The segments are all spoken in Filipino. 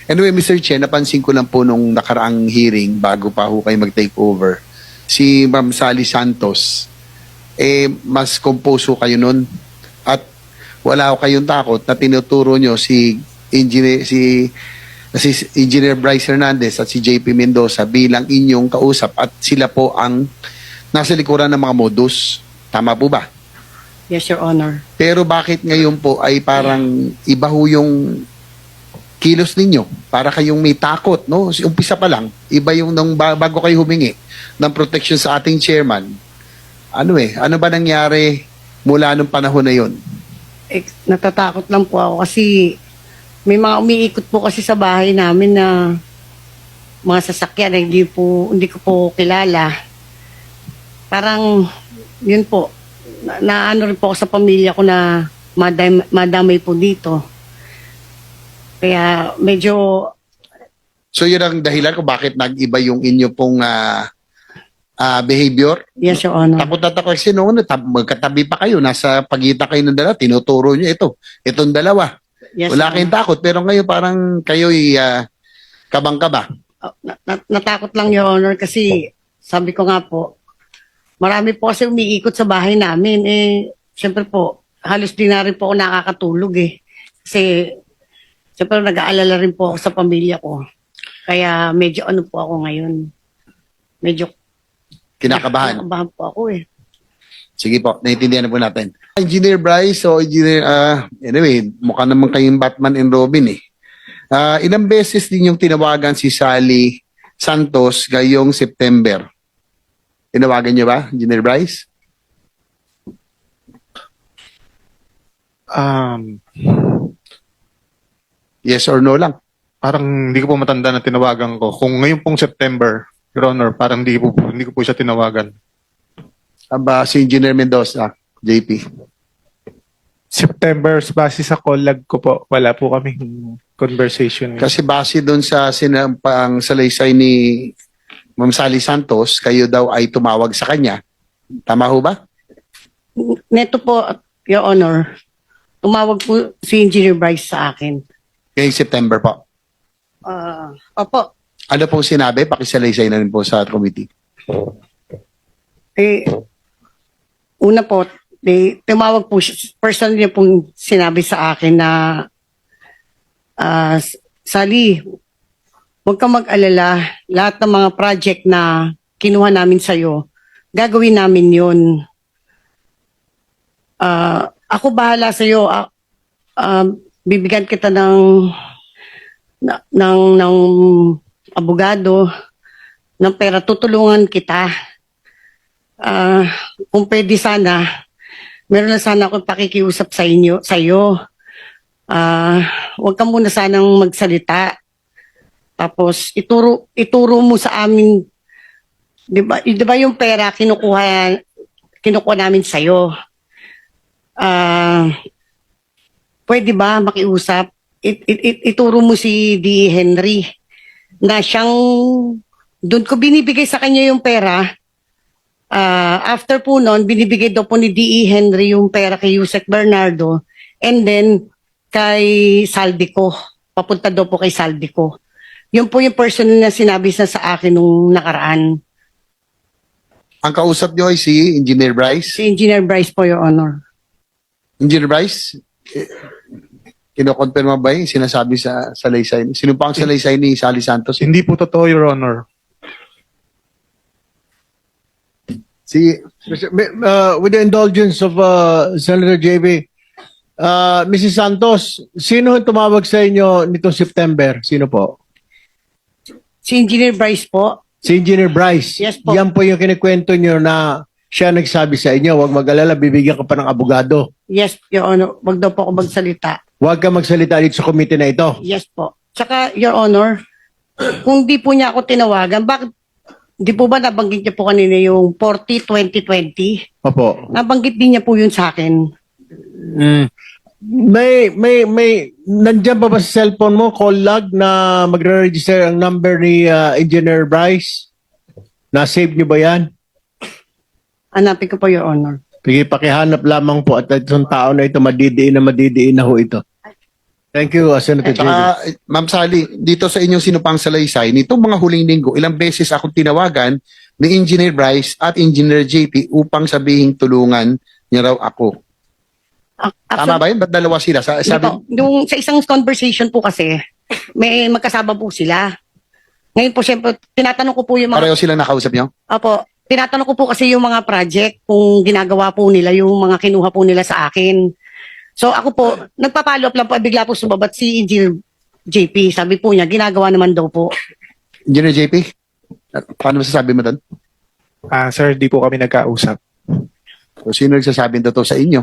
Anyway, Mr. Chen, napansin ko lang po nung nakaraang hearing bago pa ho kayo mag-take over, si Ma'am Sally Santos, mas compose ho kayo nun at wala ho kayong takot na tinuturo nyo si Engineer Bryce Hernandez at si JP Mendoza bilang inyong kausap at sila po ang nasa likuran ng mga modus. Tama po ba? Yes, Your Honor. Pero bakit ngayon po ay parang iba ho yung kilos ninyo? Para kayong may takot, no? Umpisa pa lang, iba yung nung bago kayo humingi ng protection sa ating chairman. Ano ba nangyari mula nung panahon na yon? Natatakot lang po ako kasi may mga umiikot po kasi sa bahay namin na mga sasakyan na hindi ko po kilala. Parang, yun po, naano rin po ako sa pamilya ko na madamay po dito. Kaya medyo... So yun ang dahilan kung bakit nag-iba yung inyo pong behavior? Yes, Your Honor. Takot na takot kasi noon, magkatabi pa kayo, nasa pagitan kayo ng dalawa, tinuturo nyo itong dalawa. Yes, Wala Your kayong takot, pero ngayon parang kayo'y kabang-kaba. Natakot lang, Your Honor, kasi sabi ko nga po, marami po kasi umiikot sa bahay namin. Siyempre po, halos di na rin po ako nakakatulog Kasi, siyempre nag-aalala rin po ako sa pamilya ko. Kaya medyo ano po ako ngayon. Medyo Kinakabahan. kinakabahan po ako Sige po, naiintindihan na po natin. Engineer Bryce, anyway, mukha naman kayong Batman and Robin ilang beses din yung tinawagan si Sally Santos ngayong September? Tinawagan niyo ba, Engineer Bryce? Yes or no lang? Parang hindi ko po matanda na tinawagan ko. Kung ngayon pong September, Your Honor, parang hindi ko po siya tinawagan. Aba, si Engineer Mendoza, JP. September, base sa call-log ko po, wala po kaming conversation. Kasi base doon sa sinampang salaysay ni Ma'am Sally Santos, kayo daw ay tumawag sa kanya. Tama ho ba? Neto po, Your Honor, tumawag po si Engineer Bryce sa akin. Ngayong September po. Opo, Ano pong sinabi? Pakisalaysay na rin po sa committee. una po, tumawag po siya, personally niya pong sinabi sa akin na, Sally, huwag kang mag-alala, lahat ng mga project na kinuha namin sa'yo, gagawin namin yun. Ako bahala sa'yo, bibigyan kita ng abogado, ng pera, tutulungan kita. Kung pwede sana, meron na sana akong pakikiusap sa'yo. Huwag ka muna sanang magsalita. Tapos, ituro mo sa amin, di ba yung pera kinukuha namin sa'yo. Pwede ba makiusap? Ituro mo si D. Henry na siyang, doon ko binibigay sa kanya yung pera. After po noon, binibigay daw po ni D.E. Henry yung pera kay Yusek Bernardo and then kay Saldico. Papunta daw po kay Saldico. Yun po yung personal na sinabi sa akin nung nakaraan. Ang kausap niyo ay si Engineer Bryce. Si Engineer Bryce po, Your Honor. Engineer Bryce, kinokonfirma ba yung sinasabi sa salaysay? Sino pa ang salaysay ni Sally Santos? Hindi po totoo, Your Honor. With the indulgence of Senator JB, Mrs. Santos, sino ang tumawag sa inyo nitong September? Sino po? Si Engineer Bryce po. Si Engineer Bryce. Yes po. Yan po yung kinikwento nyo na siya nagsabi sa inyo, huwag mag-alala, bibigyan ka pa ng abogado. Yes, Your Honor. Wag daw po ako magsalita. Huwag ka magsalita dito sa komite na ito. Yes po. Tsaka, Your Honor, kung di po niya ako tinawagan, bakit di po ba nabanggit niya po kanina yung 40-2020? Opo. Nabanggit din niya po yun sa akin. Nandiyan pa ba sa cellphone mo, call log na magre-register ang number ni Engineer Bryce? Na-save niyo ba yan? Hanapin ko po, Your Honor. Sige, pakihanap lamang po at itong tao na ito, madidiin na ho ito. Thank you, Senator JB. Ma'am Sally, dito sa inyong sinupang salaysay, nitong mga huling linggo, ilang beses akong tinawagan ni Engineer Bryce at Engineer JP upang sabihing tulungan niya raw ako. Tama ba yun? Ba't dalawa sila? Sabi, Nung sa isang conversation po kasi, may magkasama po sila. Ngayon po, syempre, tinatanong ko po yung mga... pareho silang nakausap niyo? Opo, tinatanong ko po kasi yung mga project, kung ginagawa po nila, yung mga kinuha po nila sa akin. So ako po, nagpa-follow up lang po, bigla po sumabat si Engineer JP. Sabi po niya, ginagawa naman daw po. Engineer JP, paano masasabi mo doon? Sir, di po kami nagkausap. So, sino nagsasabi totoo sa inyo?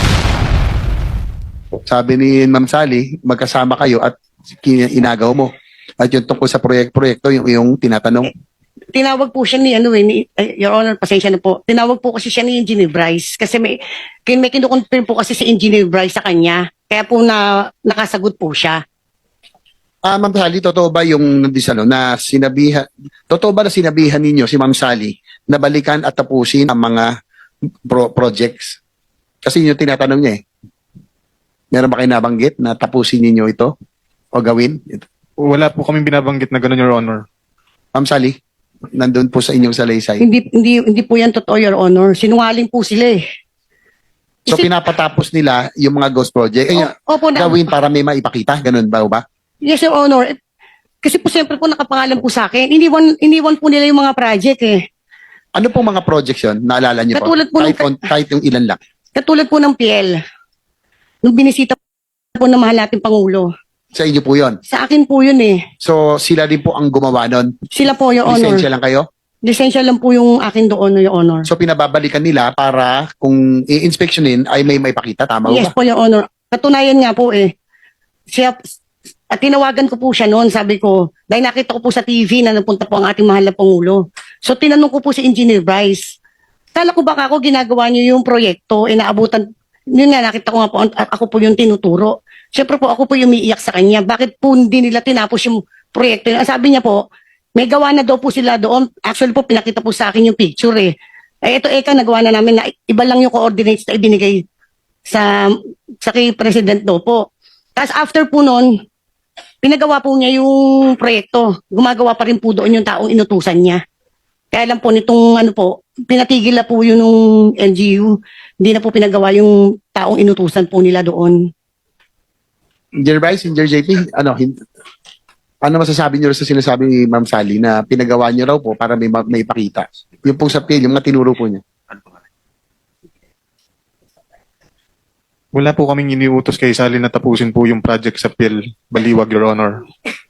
Sabi ni Ma'am Sally, magkasama kayo at inagaw mo. At yung tungkol sa proyekto, yung tinatanong. Tinawag po siya ni, Your Honor, pasensya na po. Tinawag po kasi siya ni Engineer Bryce. Kasi may kinukonfirm po kasi si Engineer Bryce sa kanya. Kaya po nakasagot po siya. Ma'am Sally, totoo ba yung na sinabihan, totoo ba na sinabihan ninyo si Ma'am Sally na balikan at tapusin ang mga projects? Kasi yun yung tinatanong niya eh. Meron ba kayo nabanggit na tapusin ninyo ito o gawin? Wala po kaming binabanggit na gano'n, Your Honor. Ma'am Sally, nandun po sa inyong salaysay. Hindi po yan totoo, Your Honor. Sinungaling po sila eh. So pinapatapos nila yung mga ghost project. Opo na. Gawin para may maipakita. Ganun ba? Yes, Your Honor. Kasi po siyempre po nakapangalan po sa akin. Iniwan po nila yung mga project eh. Ano pong mga projects yun? Naalala niyo po? Katulad po Kahit yung ilan lang. Katulad po ng PL. Nung binisita po ng mahal nating Pangulo. Sa inyo po yun. Sa akin po yun eh. So sila din po ang gumawa nun. Sila po, Your Honor. Lisensya lang kayo? Lisensya lang po yung akin doon, Your Honor. So pinababalikan nila para kung i-inspectionin ay may maipakita. Tama Yes ba? po, Your Honor. Katunayan nga po eh. At tinawagan ko po siya noon, sabi ko, dahil nakita ko po sa TV na napunta po ang ating mahal na Pangulo. So tinanong ko po si Engineer Bryce, kala ko baka ako ginagawa niyo yung proyekto, inaabutan, yun nga, nakita ko nga po, ako po yung tinuturo. Siyempre po, ako po yung umiiyak sa kanya. Bakit po hindi nila tinapos yung proyekto? Sabi niya po, may gawa na daw po sila doon. Actually po, pinakita po sa akin yung picture eh. Ito nagawa na namin na iba lang yung coordinates na ibinigay sa kay President daw po. Tapos after po noon, pinagawa po niya yung proyekto. Gumagawa pa rin po doon yung taong inutusan niya. Kaya lang po nitong pinatigil na po yun ng LGU. Hindi na po pinagawa yung taong inutusan po nila doon. Engineer Bryce, Engineer JP, ano masasabi niyo sa sinasabi ni Ma'am Sally na pinagawa niyo raw po para may ipakita? Yung pong sa PL, yung mga tinuro po niya. Wala po kaming iniutos kay Sally na tapusin po yung project sa PIL Baliwag, Your Honor.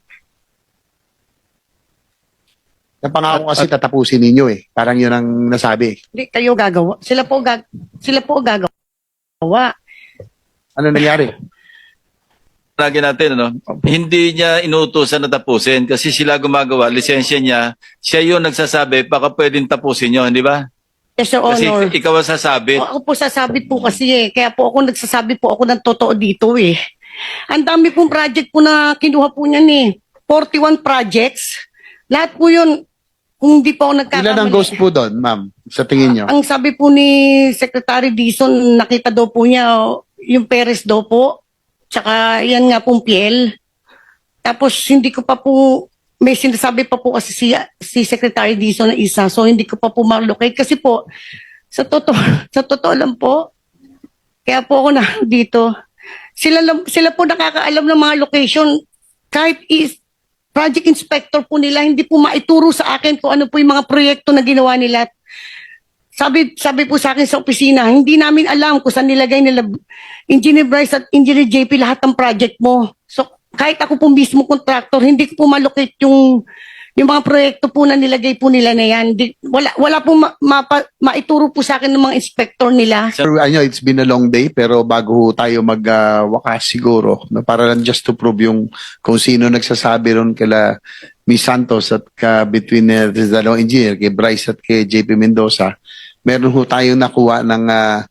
Napangako kasi tatapusin ninyo eh. Parang yun ang nasabi. Hindi kayo gagawa. Sila po gagawa. Ano nangyari? Lagi natin, hindi niya inuutosan na tapusin kasi sila gumagawa, lisensya niya, siya yung nagsasabi, baka pwedeng tapusin nyo, di ba? Yes, Your Kasi Honor. ikaw ang sasabi. Ako po sasabi po kasi eh. Kaya po ako nagsasabi po ako ng totoo dito eh. Ang dami pong project po na kinuha po niyan eh. 41 projects. Lahat po yun, kung hindi po ako nagkakamali. Ilan ang ghost po doon, ma'am? Sa tingin niyo? Ang sabi po ni Secretary Dizon, nakita daw po niya yung Perez daw po. Tsaka yan nga pong PL. Tapos hindi ko pa po, may sinasabi pa po kasi si Secretary Dizon na isa. So hindi ko pa po ma-locate. Kasi po, sa totoo lang po, kaya po ako na dito. Sila po nakakaalam ng mga location. Kahit project inspector po nila, hindi po maituro sa akin kung ano po yung mga proyekto na ginawa nila. Sabi po sa akin sa opisina, hindi namin alam kung saan nilagay nila Engineer Bryce at Engineer JP lahat ng project mo. So kahit ako po mismo contractor, hindi ko po malocate yung mga proyekto po na nilagay po nila na yan. Wala po maituro po sa akin ng mga inspector nila. Sir, I know it's been a long day pero bago tayo magwakas siguro, para lang just to prove yung kung sino nagsasabi ron kila Miss Santos at between the dalawang engineer, kay Bryce at kay JP Mendoza, meron ho tayong nakuha ng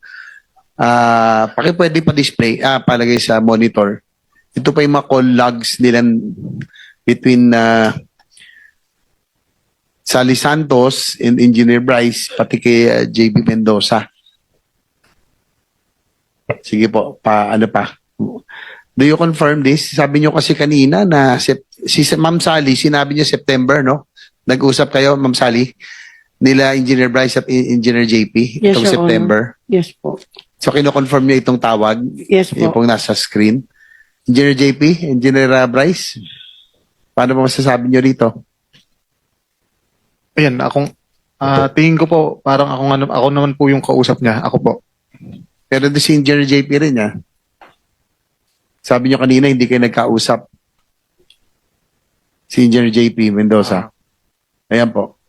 pwede pa display, palagay sa monitor. Ito pa yung mga call logs nila between Sally Santos and Engineer Bryce, pati kay JP Mendoza. Sige po, ano pa? Do you confirm this? Sabi niyo kasi kanina na si Ma'am Sally, sinabi niya September, no? Nag-usap kayo, Ma'am Sally, nila Engineer Bryce at Engineer JP Yes, itong Your September. Yes po. So, kino-confirm niyo itong tawag, Yes yung po. pong nasa screen. Engineer JP, Engineer Bryce, paano mo masasabi niyo rito? Ayan, tingin ko po, parang ako naman po yung kausap niya. Ako po. Pero di si Engineer JP rin, ha? Sabi niyo kanina, hindi kayo nagkausap. Si Engineer JP Mendoza. Ayan po.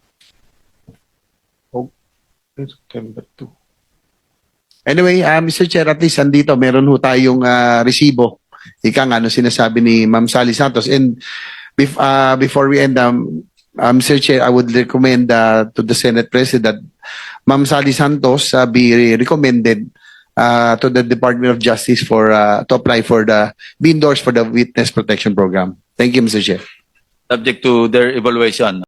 September 2. Anyway, Mr. Chair, at least andito, meron ho tayong resibo. Ika nga, ano sinasabi ni Ma'am Sally Santos. And before we end, Mr. Chair, I would recommend to the Senate President, Ma'am Sally Santos be recommended to the Department of Justice for to apply for be endorsed for the Witness Protection Program. Thank you, Mr. Chair. Subject to their evaluation.